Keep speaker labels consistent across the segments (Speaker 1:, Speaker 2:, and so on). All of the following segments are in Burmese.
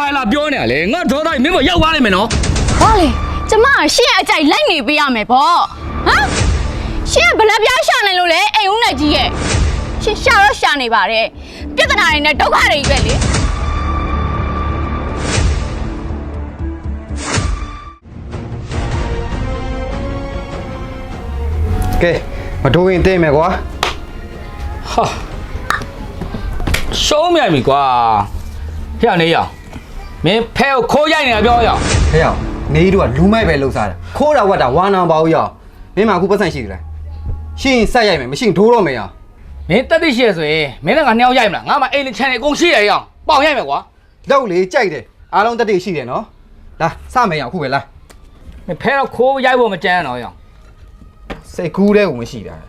Speaker 1: ဘာလာပြောနေရလဲငါဒေါသမင်းမရောက်သွားလိမ့်မယ်နော်
Speaker 2: ဘာလဲကျမရှင့်အကြိုက်လိုက်နေပေးရမယ်ပေါ့ဟမ်ရှင့်ဘလက်ပြားရှာနေလို့လေအိမ်ဦးနဲ့ကြီးရဲ့ရှင့်ရှာတော့ရှာနေပါတယ်ပြဿနာတွေနဲ့ဒုက္ခတွေပဲလေ
Speaker 3: ကဲမထိုးရင်သိမယ်ကွာ
Speaker 1: ဟာရှုံးမြိုင်ပြီကွာဖျက်နေရအောင်မင်းဖဲကိုခိုးရိုက်နေတာပြောရအောင်
Speaker 3: ဟဲ့အောင်နေတို့ကလူမိုက်ပဲလှုပ်စားတာခိုးတာဝတ်တာဝါနာပါဦးရအောင်မင်းမအခုပတ်စံရှိသလားရှင်းဆက်ရိုက်မယ်မရှင်းထိုးတော့မယ်ရအောင်
Speaker 1: မင်းတက်သိရှိရဆိုရင်မင်းလည်းငါနှစ်ယောက်ရိုက်မလားငါမှအိမ်လေးချန်နေအကုန်ရှိရရအောင်ပေါင်ရိုက်မယ်ကွာ
Speaker 3: လောက်လေကြိုက်တယ်အားလုံးတက်သိရှိတယ်နော်လာစမယ်ရအောင်အခုပဲလာ
Speaker 1: မင်းဖဲတော့ခိုးရိုက်ဖို့မကြမ်းတော့ရအောင်
Speaker 3: စိတ်ကူးတဲ့ကိုမရှိတာ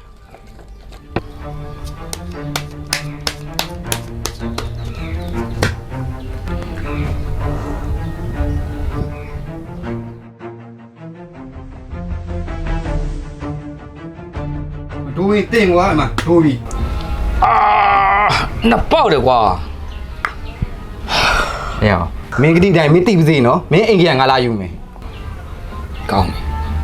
Speaker 3: ဒိုးရင်တင်ကွာအမဒိုးပြီ
Speaker 1: နှစ်ပေါက်တယ်ကွာ
Speaker 3: ဟဲ့အောင်မင်းကတိတိုင်းမင်းသိပါစေနော်မင်းအိမ်ကြီးကငါလာယူမယ်
Speaker 1: ကောင်းပြီ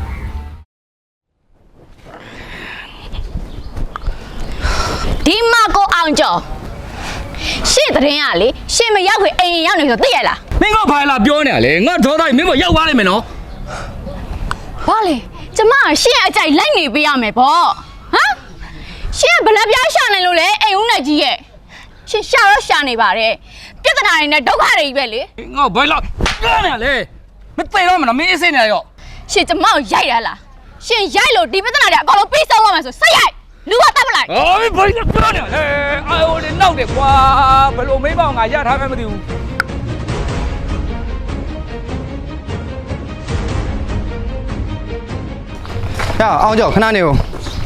Speaker 2: ဒီမှာကိုအောင်ကျော်ရှင့်တရင်ကလေရှင့်မရောက်ခင်အိမ်ရောက်နေဆိုသိရလား
Speaker 1: မင်းကဘာလာပြောနေရလဲငါဒေါသမင်းမရောက်သွားလိမ့်မယ်နော်
Speaker 2: ဘာလဲကျမရှင့်အကြိုက်လိုက်နေပေးရမယ်ပေါ့ဟမ်ရှင့်ဘလက်ပြားရှာနေလို့လေအိမ်ဦးနဲ့ကြီးရဲ့ရှင့်ရှာတော့ရှာနေပါတယ်ပြဿနာတွေနဲ့ဒုက္ခတွေပဲလေ
Speaker 1: ငါဘယ်လောက်ပြောနေရလဲမသိတော့မလားမင်းအစ်စိနေရော
Speaker 2: ရှင့်ကျမကိုရိုက်ရလားရှင့်ရိုက်လို့ဒီပြဿနာတွေအကုန်လုံးပြီးဆုံးသွားမယ်ဆိုဆက်ရိုက်လူကတတ်မလိုက်
Speaker 1: အော်ဘယ်လိုပြောနေလဲအာယိုလေးနောက်တယ်ကွာဘယ်လိုမေးပေါ့ငါရထားမှမသိဘူး
Speaker 3: ဟဲ့အောင်ကြောခဏနေဦး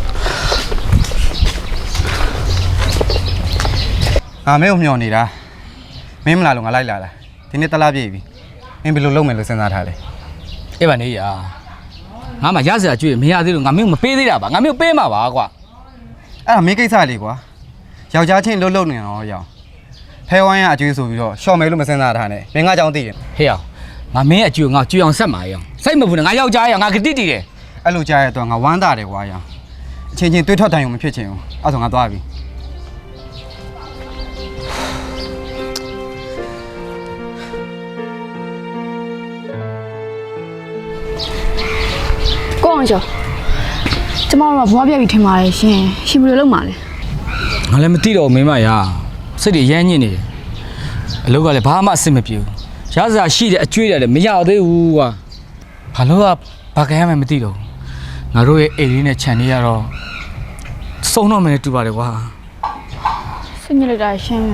Speaker 3: မင်းကိုမျှော်နေတာမင်းမလာလို့ငါလိုက်လာတာဒီနေ့တလားပြည့်ပြီမင်းဘယ်လိုလုပ်မယ်လို့စဉ်းစားထားလဲ
Speaker 1: အေးပါနေရငါမှရစရာကြွေးမရသေးလို့ငါမင်းမပေးသေးတာပါငါမင်းပေးမှာပါကွာ
Speaker 3: အဲ့ဒါမင်းကိစ္စလေးကွာယောက်ျားချင်းလှုပ်နေတော့ရောင်ဖဲဝိုင်းကအကျွေးဆိုပြီးတော့ရှော့မယ်လို့မစဉ်းစားထားနဲ့မင်းငါကြောင့်သိတယ်
Speaker 1: ဟေးအောင်ငါမင်းအကျွေးငါကျွေးအောင်ဆက်မှာရောင်စိတ်မပူနဲ့ငါယောက်ျားရောင်ငါကတိတီတယ်
Speaker 3: အဲ့လိုကြားရတော့ငါဝမ်းသာတယ်ကွာရောင်အချင်းချင်းတွေးထွက်တိုင်းုံမဖြစ်ချင်ဘူးအဲ့ဆိုငါသွားပြီ
Speaker 2: ကိုအောင်ကျော်ကျမတို့ကဘွားပြက်ပြီးထင်ပါတယ်ရှင်ရှင်ဘယ်လိုလုပ်မှာလဲ
Speaker 1: ငါလည်းမသိတော့မင်းမရစိတ်တွေရမ်းညစ်နေတယ်အလုပ်ကလည်းဘာမှအဆင်မပြေဘူးရစရာရှိတဲ့အကျွေးတယ်လည်းမရသေးဘူးကွာဘာလို့ကဘာကရမ်းမှမသိတော့ငါတို့ရဲ့အိမ်လေးနဲ့ခြံလေးရတော့စုံတော့မယ်တူပါတယ်ကွာ
Speaker 2: စိတ်ညစ်လိုက်တာရှင်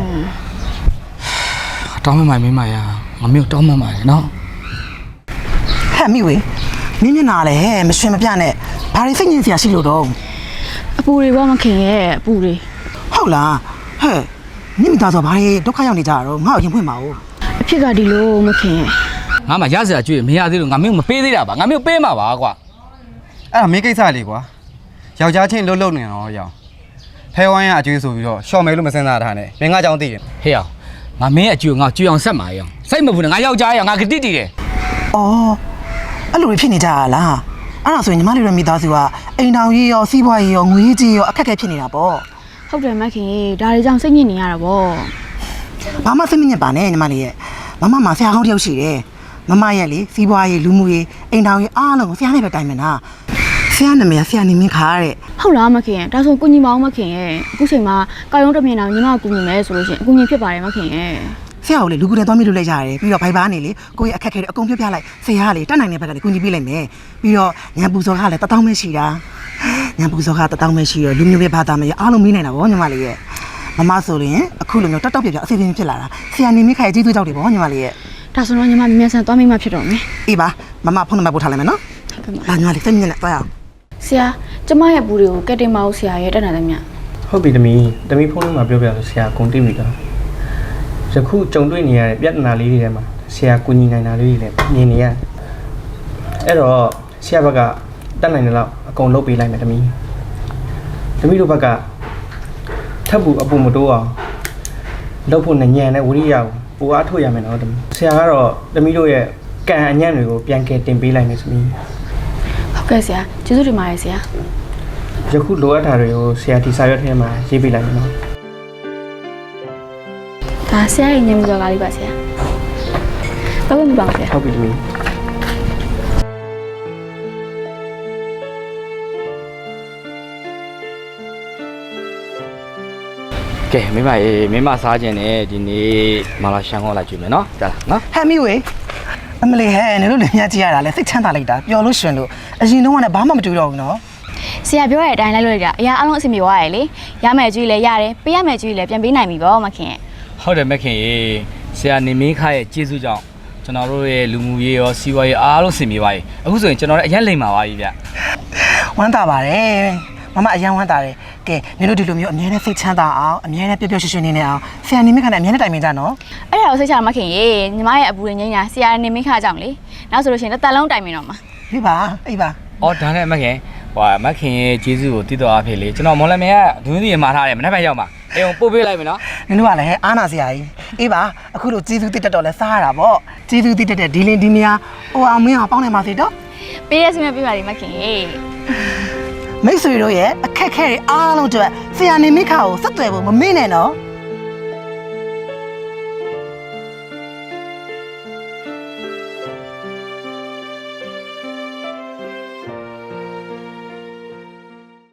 Speaker 1: တောင်းမမင်းမရငါမျိုးတောင်းမမရနော်
Speaker 4: ဟဲ့မိဝေမင်းမျက်နှာလေမရွှင်မပြနဲ့ဘာတွေစိတ်ညစ်စရာရှိလို့တော့
Speaker 2: အပူတွေဘောမခင်ရဲ့အပူတွေ
Speaker 4: ဟုတ်လားဟဲ့မိမိသားဆိုဘာတွေဒုက္ခရောက်နေကြတော့ငါ့ကိုရင်ဖွင့်ပါဦး
Speaker 2: အဖြစ်ကဒီလိုမခင်ရဲ့
Speaker 1: ငါမှရစရာကြွေးမရသေးလို့ငါမျိုးမပေးသေးတာပါငါမျိုးပေးမှာပါကွာ
Speaker 3: အဲ့ဒါမင်းကိစ္စလေးကွာယောက်ျားချင်းလှုပ်နေတော့ရောင်ဖဲဝိုင်းကအကျွေးဆိုပြီးတော့ရှော့မယ်လို့မစဉ်းစားထားနဲ့မင်းငါကြောင့်သိတယ်
Speaker 1: ဟေးအောင်ငါမင်းအကျွေးငါကျွေးအောင်ဆက်မှာရောင်စိတ်မပူနဲ့ငါယောက်ျားရောင်ငါကတိတီတယ်
Speaker 4: အော်အဲ့လိုဖြစ်နေကြလားအဲ့ဒါဆိုရင်ညီမလေးတို့မိသားစုကအိမ်တော်ကြီးရောစီးပွားရေးရောငွေကြီးရောအခက်အခဲဖြစ်နေတာပေါ့
Speaker 2: ဟုတ်တယ်မခင်ဒါတွေကြောင့်စိတ်ညစ်နေရတာပေါ့
Speaker 4: ဘာမှစိတ်မညစ်ပါနဲ့ညီမလေးရဲ့မမဆရာကောင်းတယောက်ရှိတယ်မမရဲ့လေစီးပွားရေးလူမှုရေးအိမ်တော်ကြီးအားလုံးကိုဆရာနဲ့ပဲတိုင်မနာဆရာနာမည်ဆရာနေမင်းခါတဲ့
Speaker 2: ဟုတ်လားမခင်ဒါဆိုကိုညီမအောင်မခင်ရဲ့အခုချိန်မှာကာယုံတမြင်အောင်ညီမကိုကူညီမယ်ဆိုလို့ရှိရင်အကူညီဖြစ်ပါတယ်မခင်ရဲ့
Speaker 4: ဆရာကိုလေလူကူနဲ့သွားမိလို့လိုက်ရတယ်ပြီးတော့ဘိုင်ဘာနေလေကိုယ့်ရဲ့အခက်အခဲတွေအကုန်ပြပြလိုက်ဆရာကလေတက်နိုင်တဲ့ဘက်ကလေကူညီပေးလိုက်မယ်ပြီးတော့ညံပူစောကလည်း1000ပဲရှိတာညံပူစောက1000ပဲရှိတော့လူမျိုးပဲဘာသာမရအားလုံးမေးနိုင်တာဗောညီမလေးရဲ့မမဆိုရင်အခုလိုမျိုးတောက်ပြပြအစီအစဉ်ဖြစ်လာတာဆရာနေမိခိုင်ကြီးသွေးကြောက်တယ်ဗောညီမလေးရဲ့
Speaker 2: ဒါဆိုတော့ညီမမြန်ဆန်သွားမိမှဖြစ်တော့မယ်
Speaker 4: အေးပါမဖုန်းနံပါတ်ပို့ထားလိုက်မယ်နော်လာညီမလေးစိတ်ညစ်နေသွားရအောင်
Speaker 2: ဆရာကျမရဲ့ဘူးတွေကိုကက်တင်မအောင်ဆရာရဲ့တက်နိုင်တယ်မြတ်
Speaker 5: ဟုတ်ပြီသမီးဖုန်းနံပါတ်ပြောပြဆိုဆရာကုန်တိပြီတော့ယခုကြုံတွေ့နေရတဲ့ပြဿနာလေးတွေထဲမှာဆရာကူညီနိုင်တာလေးတွေလည်းမြင်နေရအဲ့တော့ဆရာဘက်ကတက်နိုင်တယ်လို့အကုန်လုပ်ပေးလိုက်မယ်သမီးတို့ဘက်ကထပ်ဘူးအပူမတိုးအောင်လုပ်ဖို့နဲ့ညံတဲ့ဝိရိယကိုပိုအားထုတ်ရမယ်နော်တမီးဆရာကတော့တမီးတို့ရဲ့ကံအညံ့တွေကိုပြန်ကယ်တင်ပေးလိုက်မယ်သမီး
Speaker 2: ဟုတ်ကဲ့ဆရာကျေးဇူးတင်ပါတယ်ဆရာ
Speaker 5: ယခုလိုအပ်တာတွေကိုဆရာဒီစာရွက်ထဲမှာရေးပေးလိုက်မယ်နော်
Speaker 2: ဒါဆရာရဲ့ညမစော်ကားလေးပါဆရာတော့မပါဘူးဆရာ
Speaker 5: ဟုတ်ပြီသမီး
Speaker 1: ကဲမိမရေမိမစားခြင်းနဲ့ဒီနေ့မာလာရှန်ခေါ်လိုက်ကြည့်မယ်နော်ကြားလားနော်
Speaker 4: ဟဲ့မိဝေအမလေးဟဲ့နင်တို့လည်းမြတ်ကြည့်ရတာလဲစိတ်ချမ်းသာလိုက်တာပျော်လို့ရှင်လို့အရင်တော့ကလည်းဘာမှမတူတော့ဘူးနော်
Speaker 2: ဆရာပြောတဲ့အတိုင်းလိုက်လို့ရတာအရာအလုံးအဆင်ပြေသွားရလေရမယ်ကြွေးလည်းရတယ်ပေးရမယ်ကြွေးလည်းပြန်ပေးနိုင်ပြီပေါ့မခင်ရဲ့
Speaker 1: ဟုတ်တယ်မခင်ရေဆရာနေမင်းခါရဲ့ကျေးဇူးကြောင့်ကျွန်တော်တို့ရဲ့လူမှုရေးရောစီးပွားရေးအားလုံးစင်ပြေပါပြီအခုဆိုရင်ကျွန်တော်လည်းအရင်လိမ်ပါပါပြီဗျ
Speaker 4: ဝမ်းသာပါတယ်မမအရန်ဝမ်းသာတယ်ကဲနင်တို့ဒီလိုမျိုးအမြဲတမ်းစိတ်ချမ်းသာအောင်အမြဲတမ်းပျော်ပျော်ရွှင်ရွှင်နေနေအောင်ဆရာနေမိခါနဲ့အမြဲတမ်းတိုင်ပင်ကြနော်
Speaker 2: အဲ့ဒါကိုစိတ်ချမခင်ရေညီမရဲ့အပူရင်းငိမ့်ညာဆရာနေမင်းခါကြောင့်လေနောက်ဆိုလို့ရှိရင်တစ်သက်လုံးတိုင်မင်တော့မှာ
Speaker 4: ဒီပါအေးပါ
Speaker 1: အော်ဒါနဲ့မခင်မခင်ရဲ့ကျေးဇူးကိုတည်တော်အဖေလေကျွန်တော်မော်လမြိုင်ကဒွင်းစီမှာထားတယ်မနေ့ကရောက်မှာအိမ်ကိုပို့ပေးလိုက်မယ်နော်
Speaker 4: နင်တို့ကလည်းအားနာစရာကြီးအေးပါအခုလိုကျေးဇူးတိတက်တော့လဲစားရတာပေါ့ကျေးဇူးတိတက်တဲ့ဒီလင်းဒီမယာဟိုအောင်မင်းအောင်ပေါင်းနေပါစေတော့
Speaker 2: ပေးရစီမပေးပါလိမ့်မခင်ရေ
Speaker 4: မိတ်ဆွေတို့ရဲ့အခက်ခဲတွေအားလုံးအတွက်ဆရာနေမိခါကိုဆက်သွယ်ဖို့မမေ့နဲ့နော်